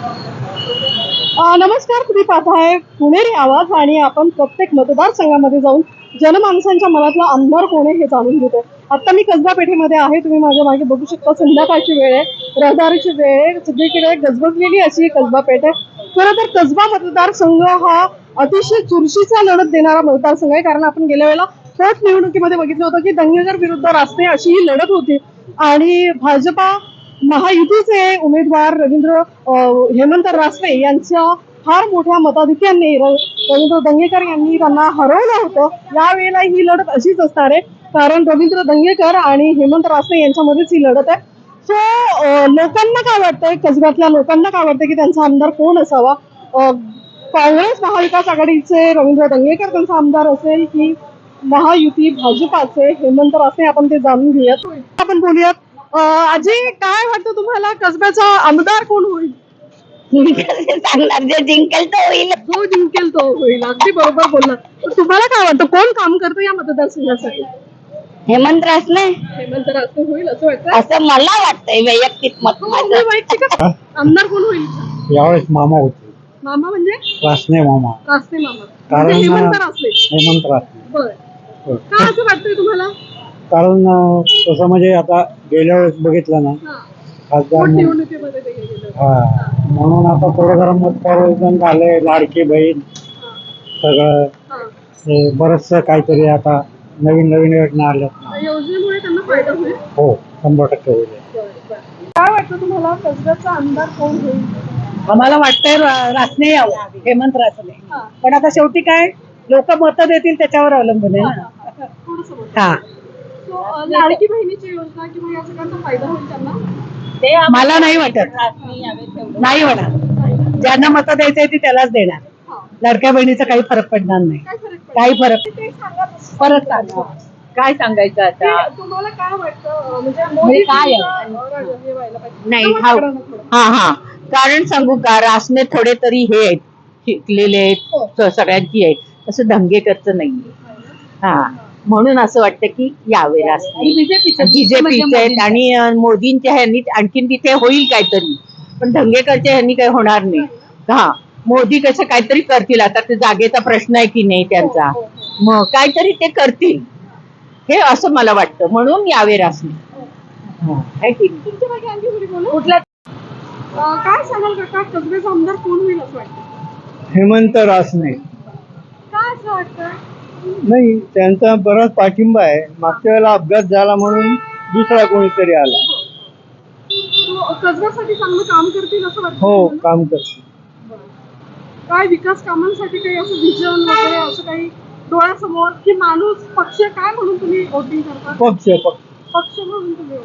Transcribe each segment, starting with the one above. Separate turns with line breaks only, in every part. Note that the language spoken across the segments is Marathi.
नमस्कार, तुम्ही पाहताय पुणेरी आवाज आणि आपण प्रत्येक मतदारसंघामध्ये जाऊन जनमानसांच्या मनातला आमदार कोण आहे हे जाणून घेतोय. आता मी कसबा पेठेमध्ये आहे. तुम्ही माझ्या मागे बघू शकता, संध्याकाळची वेळ आहे, रहदारीची वेळ आहे, सगळीकडे गजबजलेली अशी कसबा पेठ आहे. खरं तर कसबा मतदारसंघ हा अतिशय चुरशीचा लढत देणारा मतदारसंघ आहे, कारण आपण गेल्या वेळेला पोटनिवडणुकीमध्ये बघितलं होतं की दंगेकर विरुद्ध रासने अशी ही लढत होती आणि भाजपा महायुतीचे उमेदवार हेमंत रासने यांच्या फार मोठ्या मताधिक्याने रवींद्र दंगेकर यांनी त्यांना हरवलं होतं. यावेळेला ही लढत अशीच असणार आहे, कारण रवींद्र दंगेकर आणि हेमंत रासने यांच्यामध्येच ही लढत आहे. सो लोकांना काय वाटतंय, कसब्यातल्या लोकांना काय वाटतं की त्यांचा आमदार कोण असावा? काँग्रेस महाविकास आघाडीचे रवींद्र दंगेकर त्यांचा आमदार असेल की महायुती भाजपाचे हेमंत रासने, आपण ते जाणून घेऊयात. आपण बोलूयात. अजय, काय वाटतं तुम्हाला, कसब्याचा आमदार कोण होईल?
सांगणार जे जिंकेल तो होईल.
जो जिंकेल तो होईल. अगदी बरोबर बोलला. तुम्हाला काय वाटतं, कोण काम करतं या मतदारसंघासाठी?
हेमंत रासने
हेमंत रासने होईल असं वाटतं?
असं मला वाटतंय, वैयक्तिक मत माझं.
वैयक्तिक आमदार कोण होईल?
यावेळेस मामा होते,
मामा म्हणजे
रासने मामा.
रासने मामा
कारण
म्हणजे हेमंत रासने.
हेमंत रासने.
बरं, का असं वाटतंय तुम्हाला?
कारण तसं म्हणजे आता गेल्या वेळेस बघितलं ना, खासदार
निवडणुकीमध्ये ते गेलेलं.
हा, म्हणून आता थोडं जरा मत परिवर्तन झालंय. लाडकी बहीण सगळं बरंच काहीतरी आता नवीन नवीन योजना आल्या.
योजनेमुळे त्यांना फायदा होईल.
हो, 100% होईल.
काय वाटतं तुम्हाला, कसब्याचा आमदार कोण होईल?
आम्हाला वाटतंय रासने यावं, हेमंत रासने. पण आता शेवटी काय, लोक मतं देतील त्याच्यावर अवलंबून आहे ना. हा,
लाडकी बहिणीची योजना किंवा या सगळ्यांचा फायदा होईल त्यांना?
मला नाही वाटत. नाही होणार. ज्यांना मतं द्यायचंय ती त्यालाच देणार. लाडक्या बहिणीचा काही फरक पडणार नाही. काही फरक परत सांगा. काय सांगायचं आता?
तुम्हाला काय वाटतं, म्हणजे
म्हणजे काय
नाही, हा हा कारण सांगू का, रासने थोडे तरी हे आहेत, शिकलेले आहेत, सगळ्यांची आहेत, तसं दंगेकरचं नाहीये. हा, म्हणून असं वाटतं की यावे रासने. बीजेपीचे आहेत आणि मोदींच्या ह्यांनी आणखीन तिथे होईल काहीतरी, पण दंगेकरच्या ह्यांनी काही होणार नाही. हा, मोदी कसं काहीतरी करतील. आता ते जागेचा प्रश्न आहे की नाही त्यांचा, मग काहीतरी ते करतील हे असं मला वाटतं, म्हणून यावे रासने.
कुठल्या काय सांगाल काका, कसब्याचा आमदार कोण होईल असं वाटतं?
हेमंत रासने.
काय असं वाटतं?
नाही, त्यांचा बराच पाठिंबा आहे. मागच्या वेळेला अपघात झाला म्हणून दुसरा कोणीतरी आला.
कसब्यासाठी चांगलं काम करतील असं वाटतं?
हो, काम करते.
काय विकास कामांसाठी काही असं विजन वगैरे असं काही डोळ्यासमोर, की माणूस पक्ष काय म्हणून तुम्ही वोटिंग करता?
पक्ष
पक्ष म्हणून तुम्ही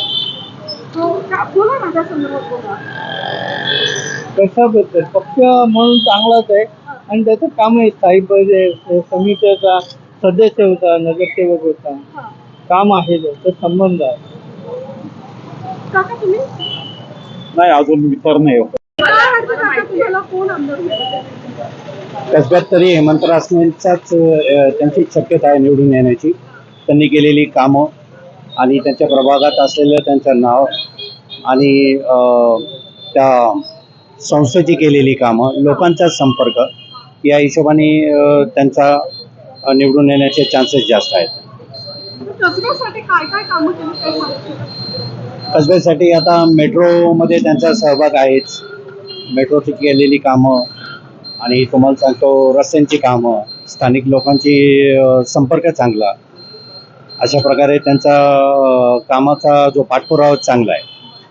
बोला ना, त्या संदर्भात बोला.
कशाबद्दल? पक्ष म्हणून चांगलाच आहे आणि त्याचं काम आहे. साहेब समितीचा सदस्य होता, नगरसेवक होता, काम आहे, त्याचा संबंध आहे.
काका तुम्ही
नाही, अजून विचार नाही होत.
काय वाटतं काका, तुम्हाला कोण आमदार होईल?
कसब्यात तरी हेमंत रासनेंचाच त्यांची शक्यता आहे निवडून येण्याची. त्यांनी केलेली कामं आणि त्यांच्या प्रभागात असलेलं त्यांचं नाव आणि त्या संस्थेची केलेली कामं, लोकांचा संपर्क, या हिशोबाने त्यांचा निवडून येण्याचे चान्सेस जास्त आहेत.
कसब्यासाठी काय काय कामं केली, काय सांगू?
कसब्यासाठी आता मेट्रोमध्ये त्यांचा सहभाग आहेच. मेट्रोची केलेली कामं आणि तुम्हाला सांगतो रस्त्यांची कामं, स्थानिक लोकांची संपर्क चांगला, अशा प्रकारे त्यांचा कामाचा जो पाठपुरावा चांगला आहे.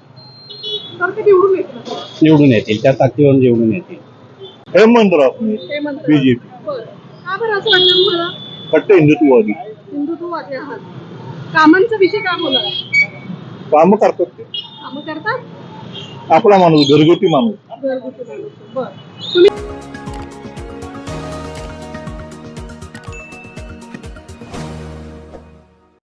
निवडून येतील, त्या ताकदीवर निवडून येतील. हेमंत रासने, बीजेपी.
का बरं असं वाटतं तुम्हाला?
कट्ट हिंदुत्ववादी.
हिंदुत्ववादी आहात. कामांचा विषय काय बोला?
कामं करतात ते.
कामं करतात.
आपला माणूस, घरगुती माणूस.
बरं, तुम्ही